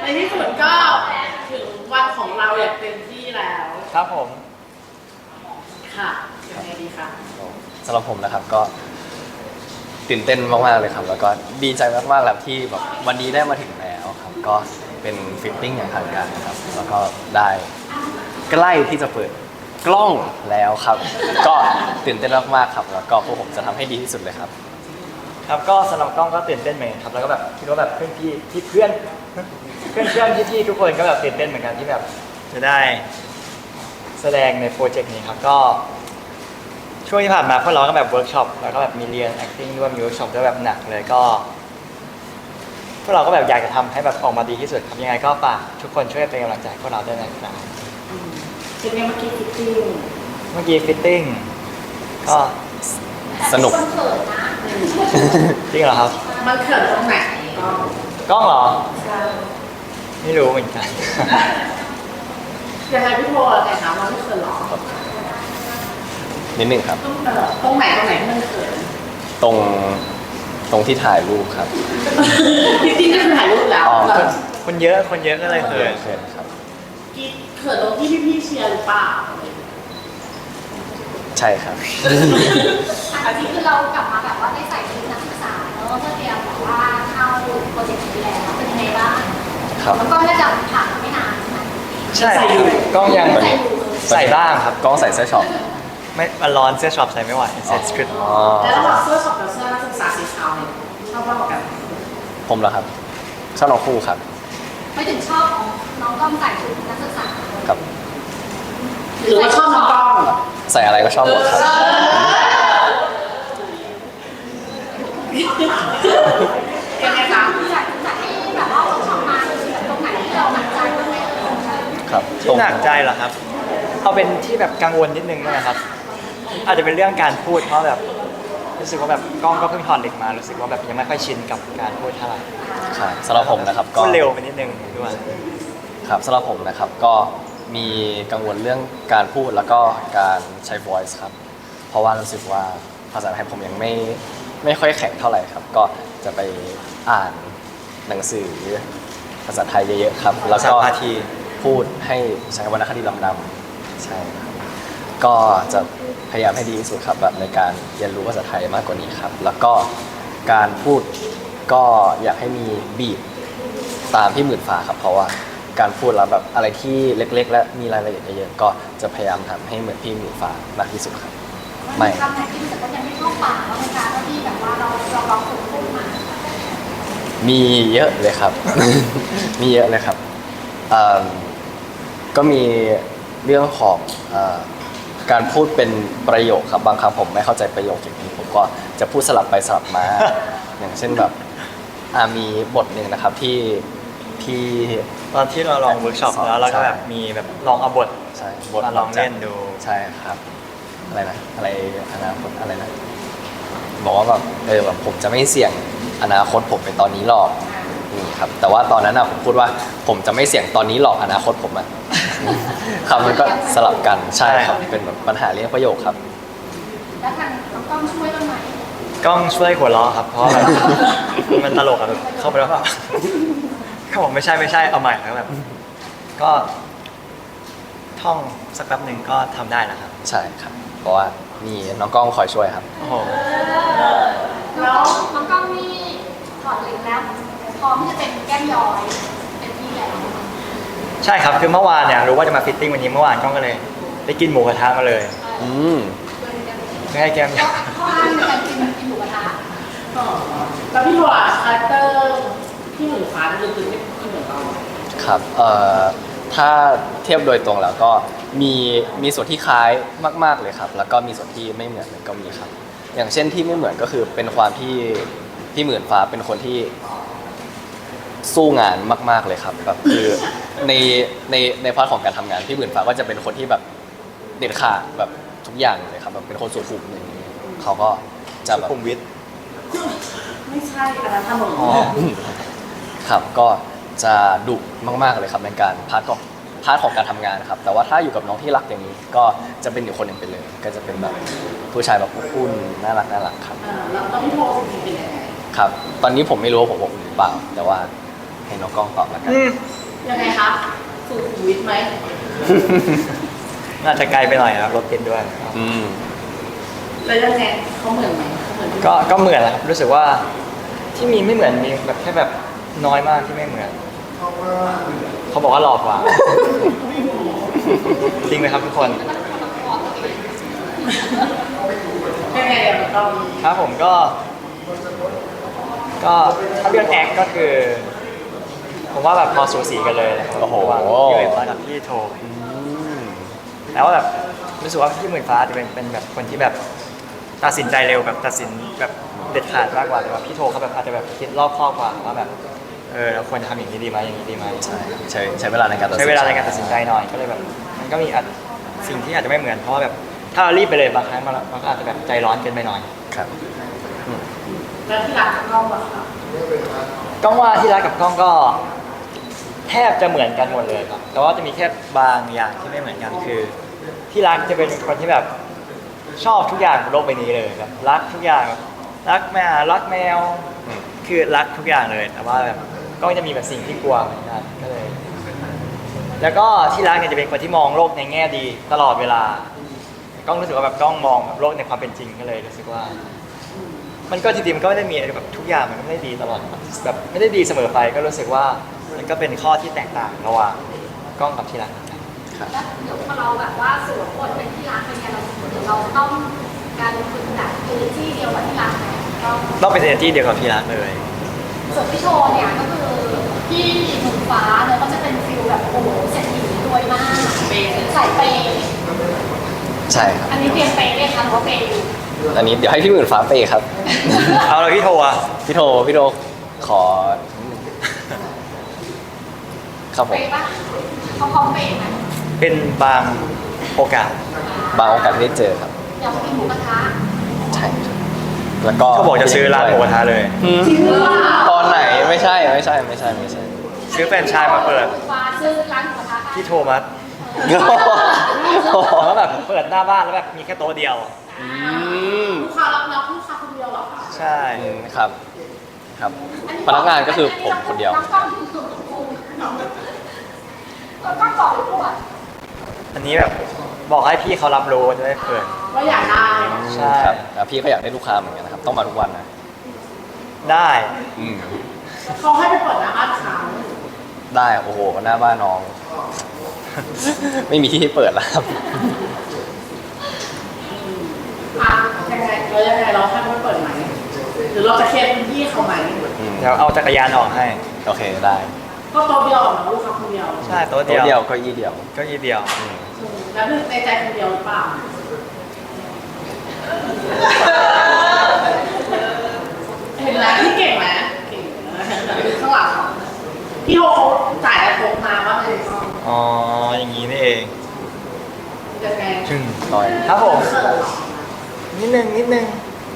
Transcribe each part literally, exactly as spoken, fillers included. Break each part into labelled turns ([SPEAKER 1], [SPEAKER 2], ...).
[SPEAKER 1] ในที่สุดก็ถึงวันของเราอย่างเต็มที่แล้ว
[SPEAKER 2] ครับผม
[SPEAKER 1] ค่ะยังไงดีคะ
[SPEAKER 3] สำหรับผมนะครับก็ตื่นเต้นมากๆเลยครับแล้วก็ดีใจมากๆแล้วที่แบบวันนี้ได้มาถึงแล้วครับก็เป็นฟิตติ้งอย่างทางการครับแล้วก็ได้ใกล้ที่จะเปิดกล้องแล้วครับก็ตื่นเต้นมากๆครับแล้วก็พวกผมจะทำให้ดีที่สุดเลยครับ
[SPEAKER 2] ครับก็สำหรับกล้องก็ตื่นเต้นเหมือนกันครับแล้วก็แบบคิดว่าแบบเพื่อนพี่ที่เพื่อนเพื่อนเพื่อนพี่พี่ทุกคนก็แบบตื่นเต้นเหมือนกันที่แบบจะได้แสดงในโปรเจกต์นี้ครับก็ช่วงที่ผ่านมาพวกเราก็แบบเวิร์กช็อปแล้วก็แบบมีเรียน acting ด้วยมีเวิร์กช็อปด้วยแบบหนักเลยก็พวกเราก็แบบอยากจะทำให้แบบออกมาดีที่สุดครับยังไงก็ฝากทุกคนช่วยเป็นกำลังใจพวกเราด้วยนะครับ
[SPEAKER 1] เป็นไงเมื่อกี้ฟิตติ้ง
[SPEAKER 2] เมื่อกี้ฟิตติ้งก็
[SPEAKER 3] สนุก
[SPEAKER 2] จริงเหรอครับ
[SPEAKER 1] มันเขินตรงไหน
[SPEAKER 2] กล้องเหรอไม่รู้เหมือนกัน
[SPEAKER 1] ยังไงพี่โบแต่ถามว่าไม่เขินหรอ
[SPEAKER 3] นิดนึงครับ
[SPEAKER 1] ตรงไหนตรงไหนที่มันเขิน
[SPEAKER 3] ตรงตรงที่ถ่ายรูปครับ
[SPEAKER 1] จริงๆก็คือถ่ายรูปแล้ว
[SPEAKER 2] คนเยอะคนเยอะก็เลยเขิน
[SPEAKER 3] เขินครับ
[SPEAKER 1] เขินตรงที่พี่ๆเชียร์หรือเปล่า
[SPEAKER 3] ใช่ครับ
[SPEAKER 4] อันนี้คือเรากลับมาแบบว่าได้ใส่ชุดนักศึกษาแล้วก็เตรียมแบบว่าเข้าโปรเจกต์นี้แล้วเป็นยังไงบ้าง
[SPEAKER 3] ครับ
[SPEAKER 4] แล้วก็น่าจะผ่านไม่นาน
[SPEAKER 2] ใช่กล้องยังใส่บ้างครับ
[SPEAKER 3] กล้องใส่เสื้อช็อป
[SPEAKER 2] ไม่มันร้อนเสื้อช็อปใส่ไม่ไหวใส่สคริปต์
[SPEAKER 1] แล้วระหว่างเสื้อช็อปกับเสื้อนักศึกษาสีขาวเนี่ยชอบมากกว่ากัน
[SPEAKER 3] ผมเหรอครับชอบน้องคู่ครับ
[SPEAKER 4] ไม่ถึงชอบของน้องกล้องใส่ชุดนักศึกษา
[SPEAKER 3] ครับ
[SPEAKER 1] หรือว่าชอบน้องกล้อง
[SPEAKER 3] ใส่อะไรก็ชอบหมดครับ
[SPEAKER 1] ยังไงคะ
[SPEAKER 4] จากจากที่แบบว่าเราทำมาตรงไหนที่เราหนักใจบ้างไหม
[SPEAKER 3] ครับ
[SPEAKER 2] ที่หนักใจเหรอครับเอาเป็นที่แบบกังวลนิดนึงนะครับอาจจะเป็นเรื่องการพูดเพราะแบบรู้สึกว่าแบบกล้องก็เพิ่งถอดเหล็กมารู้สึกว่าแบบยังไม่ค่อยชินกับการพูดเท่าไหร่
[SPEAKER 3] ใช่สำหรับผมนะครับ
[SPEAKER 2] ก็เร็วไปนิดนึงด้วย
[SPEAKER 3] ครับสำหรับผมนะครับก็มีกังวลเรื่องการพูดแล้วก็การใช้ voice ครับเพราะว่ารู้สึกว่าภาษาไทยผมยังไม่ไม่ค่อยแข็งเท่าไหร่ครับก็จะไปอ่านหนังสือภาษาไทยเยอะๆครับแล้วก็พูดให้ใช้วรรณคดีลำดำใช่ครับก็จะพยายามให้ดีที่สุดครับแบบในการเรียนรู้ภาษาไทยมากกว่านี้ครับแล้วก็การพูดก็อยากให้มีบีทตามพี่หมื่นฟ้าครับเพราะว่าการพูดแล้วแบบอะไรที่เล็กๆและมีรายละเอียดเยอะๆก็จะพยายามทำให้เหมือนพี่หมื่นฟ้ามากที่สุดครับ
[SPEAKER 4] ไม่คำไหนที่รู้สึกว่ายังไม่เข้าปากแล้วในการที่แบบว่าเราเราลองฝึกพูดมา
[SPEAKER 3] มีเยอะเลยครับ มีเยอะเลยครับก็มีเรื่องของการพูดเป็นประโยคครับบางครั้งผมไม่เข้าใจประโยคอย่างนี้ผมก็จะพูดสลับไปสลับมา อย่างเช่นแบบมีบทหนึ่งนะครับที่ที่
[SPEAKER 2] ตอนที่เราลองเวิร์กช็อปแล้วเราก็แบบมีแบบลองเอาบท
[SPEAKER 3] ใช่
[SPEAKER 2] บทมาลองเล่นดู
[SPEAKER 3] ใช่ครับอะไรนะอะไรอนาคตอะไรนะบอกว่าแบบเออแบบผมจะไม่เสี่ยงอนาคตผมไปตอนนี้หรอกนี่ครับแต่ว่าตอนนั้นอะผมพูดว่าผมจะไม่เสี่ยงตอนนี้หรอกอนาคตผมอะคำมันก็สลับกันใช่ครับเป็นแบบปัญหาเรื่องประโยคครับ
[SPEAKER 4] แล้วทางกล้องช่วยบ้างไหม
[SPEAKER 2] กล้องช่วยหัวเราะครับเพราะแบบมันตลกอะแบบเข้าไปแล้วแบบเขาบอกไม่ใช่ไม่ใช่เอาใหม่แล้วแบบก็ท่องสักแป๊บหนึ่งก็ทำได้นะครับ
[SPEAKER 3] ใช่ครับเพราะว่ามีน้องกล้องคอยช่วยครับ
[SPEAKER 2] โอ้โห
[SPEAKER 4] แล้วน้องกล้องนี่ถอดเหล็กแล้วพร้อมที่จะเป็นแก้มย้อยเป็นที่แล้ว
[SPEAKER 2] ใช่ครับคือเมื่อวานเนี่ยรู้ว่าจะมาฟิตติ้งวันนี้เมื่อวานกล้องก็เลยไปกินหมูกระทะมาเลย
[SPEAKER 3] อืม
[SPEAKER 2] ไม่ให้แก้มย้อย
[SPEAKER 4] ข้ออ้างในการกินกินหมูกระทะ
[SPEAKER 1] แล้วพี่โบอ่ะคาแรคเตอร์พี่หมื่นฟ้าลึกๆไม่เหมือนเรา
[SPEAKER 3] ครับเอ่อถ้าเทียบโดยตรงแล้วก็มีมีส่วนที่คล้ายมากๆเลยครับแล้วก็มีส่วนที่ไม่เหมือนก็มีครับอย่างเช่นที่ไม่เหมือนก็คือเป็นความที่พี่หมื่นฟ้าเป็นคนที่สู้งานมากๆเลยครับแบบคือในในในพาร์ทของการทำงานพี่หมื่นฟ้าก็จะเป็นคนที่แบบเด็ดขาดแบบทุกอย่างเลยครับแบบเป็นคนสุขุมอย่างนี้เขาก็จะแบบ
[SPEAKER 2] สุขุมวิท
[SPEAKER 1] ไม่ใช่อันนั้นถนน
[SPEAKER 3] ครับก็จะดุมากๆเลยครับในการพาร์ทของพาร์ทของการทำงานครับแต่ว่าถ้าอยู่กับน้องที่รักอย่างนี้ก็จะเป็นอีกคนหนึ่งไปเลยก็จะเป็นแบบผู้ชายแบบอบอุ่นน่ารักน่ารักครับ
[SPEAKER 1] แล้วตอนที่โทรจริงๆเป็นยังไง
[SPEAKER 3] ครับตอนนี้ผมไม่รู้ว่าผมอบอุ่นหรือเปล่าแต่ว่าให้น้องกล้องตอบแล้วกัน
[SPEAKER 2] อืม
[SPEAKER 1] ยังไงครับสุขุมวิทไหม
[SPEAKER 2] น่าจะไกลไปหน่อยครับรถติดด้วย
[SPEAKER 3] อืม
[SPEAKER 1] แล้วยังไงเขาเหมือนไหมเขาเหมือนที่
[SPEAKER 2] ก็ก็เหมือนนะครับรู้สึกว่าที่มีไม่เหมือนมีแบบแค่แบบน้อยมากที่ไม่เหมือนเขาบอกว่าหลอกกว่า จริงไหมครับทุกคน
[SPEAKER 1] ยังไงเดี๋ยวมันต้อง
[SPEAKER 2] ครับผมก็ ก็ถ้าเรื่องแอคก็คือ ผมว่าแบบพอสูสีกันเลยนะครับ
[SPEAKER 3] โอ้โห
[SPEAKER 2] ระว่างพี่หมื่นฟ้ากับพี่โท
[SPEAKER 3] อืม
[SPEAKER 2] แล้วว่าแบบรู้สึกว่าพี่หมื่นฟ้าจะเป็นเป็นแบบคนที่แบบตัดสินใจเร็วแบบตัดสินแบบเด็ดขาดมากกว่าแต่ว่าพี่โทเขาแบบอาจจะแบบคิดรอบคอบกว่าว่าแบบเออเราควรจะทำอย่างนี้ดีไหมอย่างนี้ดีไหม
[SPEAKER 3] ใช่ใช้ใช้เวลาในการตัดสิน
[SPEAKER 2] ใช้เวลาในการตัดสินใจหน่อยก็เลยแบบมันก็มีอาจสิ่งที่อาจจะไม่เหมือนเพราะว่าแบบถ้าเรารีบไปเลยบางครั้งมันมันก็อาจจะแบบใจร้อนเกินไปหน่อย
[SPEAKER 3] ครับ
[SPEAKER 1] แล้วที่รักกล้องอะค่ะ
[SPEAKER 2] กล้องว่าที่รักกับกล้องก็แทบจะเหมือนกันหมดเลยครับแต่ว่าจะมีแค่บางอย่างที่ไม่เหมือนกันคือที่รักจะเป็นคนที่แบบชอบทุกอย่างบนโลกใบนี้เลยแบบรักทุกอย่างแบบรักแมวรักแมว
[SPEAKER 3] อืม
[SPEAKER 2] คือรักทุกอย่างเลยแต่ว่าแบบก็จะมีแบบสิ่งที่กลัวเหมือนกันก็เลย แล้วก็ที่รักเนี่ยจะเป็นคนที่มองโลกในแง่ดีตลอดเวลา กล้องรู้สึกว่าแบบกล้องมองแบบโลกในความเป็นจริงก็เลยรู้สึกว่า มันก็จริงๆมันก็ไม่ได้มีอะไรแบบทุกอย่างมันก็ไม่ได้ดีตลอดแบบไม่ได้ดีเสมอไปก็รู้สึกว่ามันก็เป็นข้อที่แตกต่างระหว่างกล้องกับที่รัก
[SPEAKER 3] ครับ
[SPEAKER 4] แล้วเดี๋ยวพอเราแบบว่าสวมบทเป็นที่รักเป็นไงเราเดี๋ยวเราต้องการฝึกแบบเอเนจีเดียวกับที่รักไหมต้อง
[SPEAKER 2] ต้องเป็นเอเนจีเดียวกับที่รักเลย
[SPEAKER 4] ส่วนพี่โชว์เนี่ยก็คือพี่หมุนฟ้าเนี่ยก็จะเป็นฟิลแบบโอ้โหเศรษฐีรวยมากเปย์สายเปย์
[SPEAKER 3] ใช่ครับ
[SPEAKER 4] อันนี้เตรียมเปย์เลยค่ะหรือว่าเปย์อยู่
[SPEAKER 3] อันนี้เดี๋ยวให้พี่หมื่นฟ้าเปย์ครับ
[SPEAKER 2] เอาเลยพี่โทอ่ะ
[SPEAKER 3] พี่โทพี่โทขอครับผ
[SPEAKER 4] เป
[SPEAKER 3] ม
[SPEAKER 4] ย์ปะเขาพร้อมเปย์ไหม
[SPEAKER 2] เป็นบางโอกาส
[SPEAKER 3] บางโอกาสที่ได้เจอครับ
[SPEAKER 4] อยากกินหมูกระทะ
[SPEAKER 3] ใช่ครับแล้วก็
[SPEAKER 2] เขาบอกจะซื้อร้านหมูกระทะเลย
[SPEAKER 3] อืมตอนไหนไม่ใช่ไม่ใช่ไม่ใช่ไม่ใช่
[SPEAKER 2] ซื้อแฟรนไชส์มาเปิด
[SPEAKER 4] ฟ้าซื้อร้านหมูกระทะ
[SPEAKER 2] พี่โทมัสแล้วแบบเปิดหน้าบ้านแล้วแบบมีแค่โต๊ะเดียว
[SPEAKER 3] อืม
[SPEAKER 1] ลูกค้ารับรับลูกค้าคนเดียวเหรอคะ
[SPEAKER 2] ใช่
[SPEAKER 3] อืมครับ ครับ พนักงานก็คือผมคนเดียว
[SPEAKER 4] น้องกล้องคือคุณน้องกล้องบอกหรือพูด
[SPEAKER 2] อันนี้แบบบอกให้พี่เขารับรู้จะได้เปิด
[SPEAKER 1] ว่าอยากได้
[SPEAKER 2] ใช่
[SPEAKER 3] ครับแล้วพี่ก็อยากได้ลูกค้าเหมือนกันนะครับ ต้องมาทุกวันนะ
[SPEAKER 2] ได้
[SPEAKER 3] อืม
[SPEAKER 1] เขาให้ไปเปิดหน้าบ้านเขา
[SPEAKER 3] ได้โอ้โหหน้าบ้านน้อง ไม่มีที่ให้เปิดแล้วครับ
[SPEAKER 1] อ่ะยังไงเรายังไงเราให้เขาไปเปิดไหมหรือเราจะเคลียร์พื้นที่เขาไหม
[SPEAKER 3] อืม
[SPEAKER 2] เดี๋ยวเอาจักรยานออกให้
[SPEAKER 3] โอเคได้
[SPEAKER 1] ก็โต๊ะเดียวเหรอลูกค้าคนเดียว
[SPEAKER 2] ใช่โต๊ะ
[SPEAKER 3] โต๊ะ
[SPEAKER 2] เดี
[SPEAKER 3] เดี
[SPEAKER 2] ย
[SPEAKER 3] ยว วก็ยี่เดียว
[SPEAKER 2] เก็ยี่เดียว
[SPEAKER 3] อืม
[SPEAKER 1] อืมแล้วในใจคนเดียวหรือเปล่าเห็นแล้วที่เก่งไหมเก่งนะเห็นแบบข้างหลังเขาพี่โฮเขาจ่ายอะไรโต๊ะมาว่าไง
[SPEAKER 2] อ๋ออย่างนี้นี่เอง
[SPEAKER 1] ยังไง
[SPEAKER 2] จึง
[SPEAKER 3] น้อย
[SPEAKER 2] ครับผม
[SPEAKER 1] เขินเหรอ
[SPEAKER 2] นิดนึงนิดนึง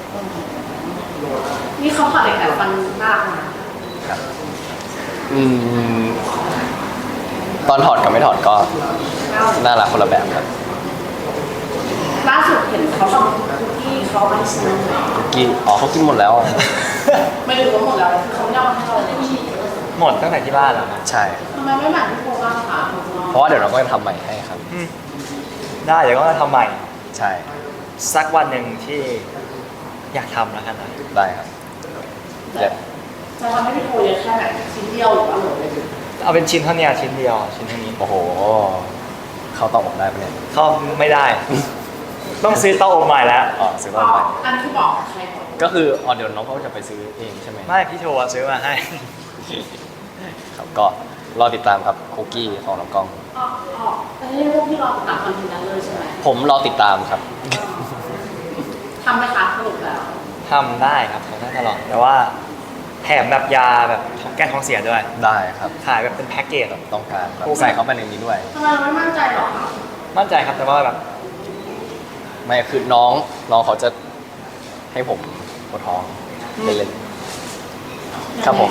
[SPEAKER 1] นี่เขาผัดเหล็กแต่ฟันมากนะ
[SPEAKER 3] ครับอืมตอนถอดกับไม่ถอดก็น่ารักคนละแบบครับ
[SPEAKER 1] ล่าสุดเห็นเขาทำคุกกี้เขาไม่ซื้อ
[SPEAKER 3] คุกกี้อ๋อเขากินหมดแล้ว
[SPEAKER 1] ไม่รู้ว่าหมดแล้วคือเขาไม่เอามาให้เราเลย
[SPEAKER 2] หมดตั้งแต่ที่บ้านแล้วนะ
[SPEAKER 3] ใช่
[SPEAKER 1] ทำไมไม่แบ่งพี่โคบ้างคะ
[SPEAKER 3] เพราะว่าเดี๋ยวเราก็จะทำใหม่ให้ครับ
[SPEAKER 2] อืมได้เดี๋ยวก็จะทำใหม่
[SPEAKER 3] ใช่
[SPEAKER 2] สักวันหนึ่งที่อยากทำแล้วกันนะ
[SPEAKER 3] ได้ครับเดี๋ยว
[SPEAKER 1] จะทำให้พี่โคเยอะแค่ไหนชิ้นเดียวหรือว่าเหลือเลย
[SPEAKER 2] เอาเป็นชิ้นเท่านี้ชิ้นเดียวชิ้นเท่านี้
[SPEAKER 3] โอ้โห เขาตอบผมได้ปะเนี่ย
[SPEAKER 2] เข้าไม่ได้ ต้องซื้อเต้าอบใหม่แล้ว
[SPEAKER 3] อ๋อซื้อ
[SPEAKER 1] อ๋
[SPEAKER 3] มา
[SPEAKER 1] อ
[SPEAKER 3] ใหม่
[SPEAKER 1] อันที่บอกใครบอก
[SPEAKER 3] ก็คืออ๋อเดี๋ยวน้องเขาจะไปซื้อเองใช่ไหม
[SPEAKER 2] ไม่พี่โทรซื้อมาให้
[SPEAKER 3] ครับก็รอติดตามครับคุกกี้ของน้องกล้อง
[SPEAKER 1] อ๋ออ๋อแต่ให้พวกพี่รอตัดคอนเทนต์นั้นเลยใช่ไหม
[SPEAKER 3] ผมรอติดตามครับ
[SPEAKER 1] ทำไหมคะสรุปแล้ว
[SPEAKER 2] ทำได้ครับทำได้ตลอดแต่ว่าแถมแบบยาแบบแก้ท้องเสียด้วย
[SPEAKER 3] ได้ครับ
[SPEAKER 2] ขายแบบเป็นแพ็กเกจแบบ
[SPEAKER 3] ต้องการแบบใส่เข้าไปในนี้ด้วย
[SPEAKER 1] ทำไมเราไม่มั่นใจหรอคะ
[SPEAKER 2] มั่นใจครับแต่ว่าแบบ
[SPEAKER 3] ไม่คือน้องน้องเขาจะให้ผมปวดท้องเล่นๆครับผม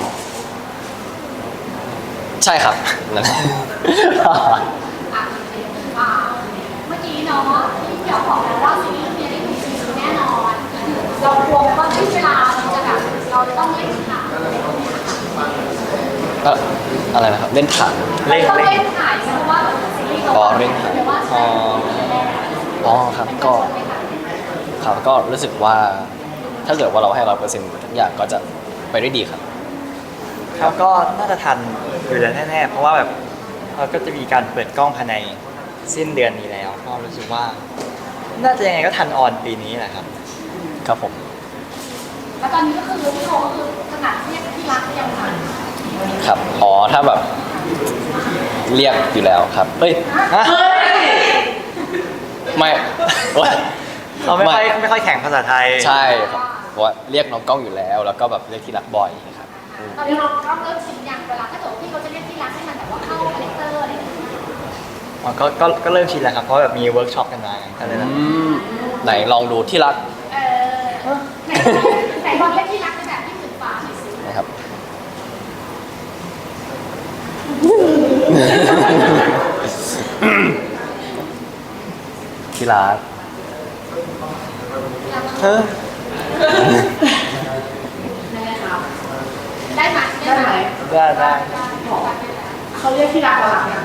[SPEAKER 3] ใช่ครับนั่นแหละ
[SPEAKER 4] อ่ะอ่าเมื่อกี้เนาะที่เดี๋ยวบอกแล้วว่าซีรีส์เรื่องนี้ได้ดูซีรีส์แน่นอน เรากลัวไหมว่าที่เวลาเราจะแบบเราจะต้องเล่นข่าวอะไรพวกเนี้ยค่ะ
[SPEAKER 3] เอ่ออะไรนะครับเล่นถ่าน
[SPEAKER 2] เล่น
[SPEAKER 4] ต้อง
[SPEAKER 2] เล่น
[SPEAKER 4] เล่นถ่ายเพราะว่าซีรีส์
[SPEAKER 3] อ๋อเร่งถ่าย
[SPEAKER 4] หรือว่า
[SPEAKER 3] อ๋ออ๋อครับก็ครับก็รู้สึกว่าถ้าเกิดว่าเราให้ร้อยเปอร์เซ็นต์ทุกอย่างก็จะไปได้ดีครับ
[SPEAKER 2] ครับก็น่าจะทันอยู่แล้วแน่ๆเพราะว่าแบบเราก็จะมีการเปิดกล้องภายในสิ้นเดือนนี้แล้วก็รู้สึกว่า น่าจะยังไงก็ทันออนปีนี้แหละครับ
[SPEAKER 3] ครับผม
[SPEAKER 4] แล้วตอนนี้ก็คือพี่โทก็คือขนาดเรียกที่รักก็ยังทัน
[SPEAKER 3] ครับอ๋อถ้าแบบเรียกอยู่แล้วครับเฮ้ย
[SPEAKER 2] ฮะ
[SPEAKER 1] เฮ้ย
[SPEAKER 3] ไม่ โอ๊ย
[SPEAKER 2] เขาไม่ค่อยไม่ค่อยแข่งภาษาไทย
[SPEAKER 3] ใช่ครับเพราะว่าเรียกน้องกล้องอยู่แล้ว แล้วก็แบบเรียกที่รักบ่อยครับอืม
[SPEAKER 4] ตอนนี้เราต้องเริ่มชินยังเวลาถ้าเกิดพี่เขาจะเรียกที่รักให้มันแบบว่าเข้าคาแรคเตอร์อะไรอย่างเงี้ย
[SPEAKER 2] อ๋อก็ก็ก็เริ่มชินแล้วครับ เพราะแบบมีเวิร์กช็อปกันมาไงก็เลยแบบ
[SPEAKER 3] อืมไหนลองดูที่รัก
[SPEAKER 4] เออไหนไหนลองเรียกที่รักในแบบที่หมื่นฟ้าหน่อยสิ
[SPEAKER 3] นะครับ ที่รัก
[SPEAKER 2] เฮ้ย
[SPEAKER 1] ได้ครับ
[SPEAKER 4] ได้ไหม
[SPEAKER 1] ได้ไหม
[SPEAKER 2] ได้ได้
[SPEAKER 1] เขาเรียกที่รักเราหลังยัง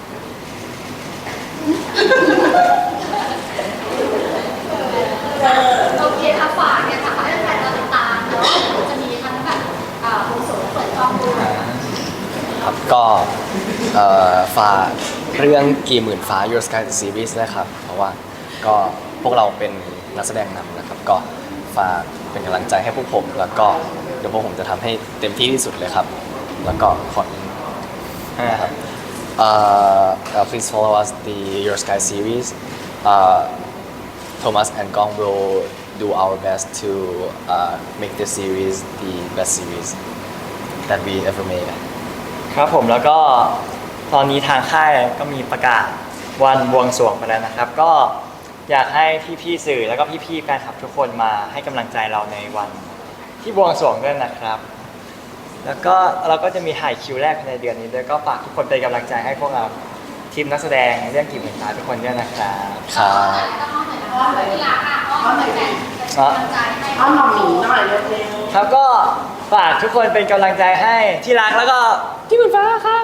[SPEAKER 4] โอเคค่ะฝากเนี่ยค่ะฝากให้แฟนๆเราติดตามเนาะจะมีทั้งแบบอ่าโปรโมทเปิดกล้องด้วย
[SPEAKER 3] ครับก็เอ่อฝากเรื่องกี่หมื่นฟ้า Your Sky the Series นะครับ เพราะว่าก็พวกเราเป็นนักแสดงนำนะครับ ก็ฝากเป็นกำลังใจให้พวกผม แล้วก็เดี๋ยวพวกผมจะทำให้เต็มที่ที่สุดเลยครับ แล้วก็ขอ
[SPEAKER 2] นะครับ
[SPEAKER 3] uh, uh, please follow us the Your Sky series. Uh, Thomas and Gong will do our best to uh, make this series the best series that we ever made.
[SPEAKER 2] ครับผมแล้วก็ตอนนี้ทางค่ายก็มีประกาศวันบวงสรวงไปแล้วนะครับ ก็อยากให้พี่ๆสื่อแล้วก็พี่ๆแฟนคลับทุกคนมาให้กำลังใจเราในวันที่บวงสรวงด้วยนะครับ แล้วก็เราก็จะมีถ่ายคิวแรกในเดือนนี้ด้วยก็ฝากทุกคนเป็นกำลังใจให้พวกเราทีมนักแสดงเรื่องกี่หมื่นฟ้าทุกคนด้วยนะครับ
[SPEAKER 3] ครับ
[SPEAKER 4] ต้องอ้อมหน่อยนะอ้อมหน่อยที่รักอ่ะอ้อมหน่อยแฟนเป็นกำลังใจให้
[SPEAKER 1] อ้อนหมอหมีหน่อยเร็ว
[SPEAKER 2] ครับก็ฝากทุกคนเป็นกำลังใจให้ที่รักแล้วก็ที่หมื่นฟ้าครับ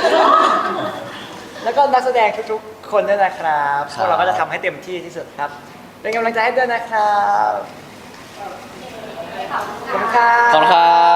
[SPEAKER 2] แล้วก็นักแสดงทุกๆคนด้วยนะครับพวกเราก็จะทำให้เต็มที่ที่สุดครับ เป็นกำลังใจให้ด้วยนะครับ
[SPEAKER 4] ขอบคุณ
[SPEAKER 2] ขอบคุณ
[SPEAKER 4] ค่ะ
[SPEAKER 2] ครับ
[SPEAKER 3] ขอบคุณครับ